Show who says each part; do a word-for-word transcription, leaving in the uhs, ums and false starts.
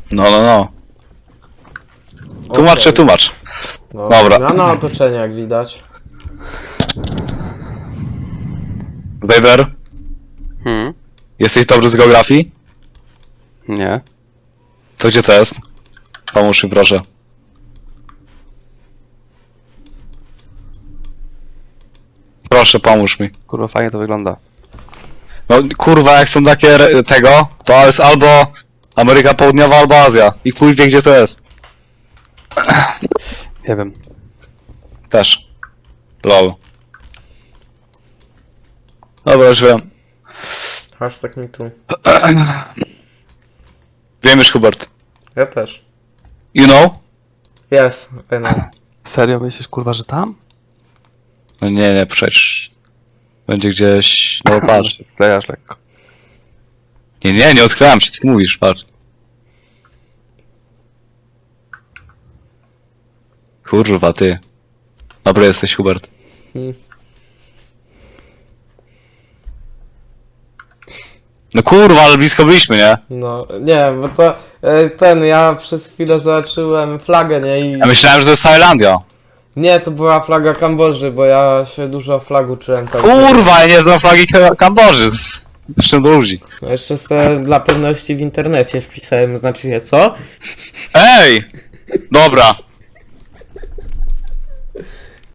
Speaker 1: No, no, no. Tłumacz czy
Speaker 2: Okej.
Speaker 1: tłumacz?
Speaker 2: No,
Speaker 1: Dobra.
Speaker 2: zmiana otoczenia, jak widać.
Speaker 1: Weber,
Speaker 3: Hmm?
Speaker 1: jesteś dobry z geografii?
Speaker 3: Nie.
Speaker 1: To gdzie to jest? Pomóż mi proszę. Proszę, pomóż mi.
Speaker 3: Kurwa, fajnie to wygląda.
Speaker 1: No kurwa, jak są takie re- tego, to jest albo Ameryka Południowa, albo Azja. I chuj wie gdzie to jest.
Speaker 3: Nie wiem.
Speaker 1: Też. Lol. Dobra, już wiem.
Speaker 2: Hashtag mi tu.
Speaker 1: Wiem już, Hubert.
Speaker 2: Ja też.
Speaker 1: You know?
Speaker 2: Jest, I know.
Speaker 3: Serio myślisz, kurwa, że tam?
Speaker 1: No nie, nie, przecież... Będzie gdzieś... No
Speaker 3: Może
Speaker 1: patrz.
Speaker 3: się odklejasz lekko.
Speaker 1: Nie, nie, nie odkryłem się, co ty mówisz, patrz. Kurwa, ty. Dobry jesteś, Hubert.
Speaker 2: Hmm.
Speaker 1: No kurwa, ale blisko byliśmy, nie?
Speaker 2: No, nie, bo to e, ten, ja przez chwilę zobaczyłem flagę, nie? I
Speaker 1: Ja myślałem, że to jest Tajlandia.
Speaker 2: nie, to była flaga Kambodży, bo ja się dużo o flag uczyłem. Tak.
Speaker 1: Kurwa, ja nie znam flagi Ka- Kambodży. Zresztą do ludzi.
Speaker 2: No jeszcze sobie dla pewności w internecie wpisałem, znaczy się co?
Speaker 1: Ej! Dobra.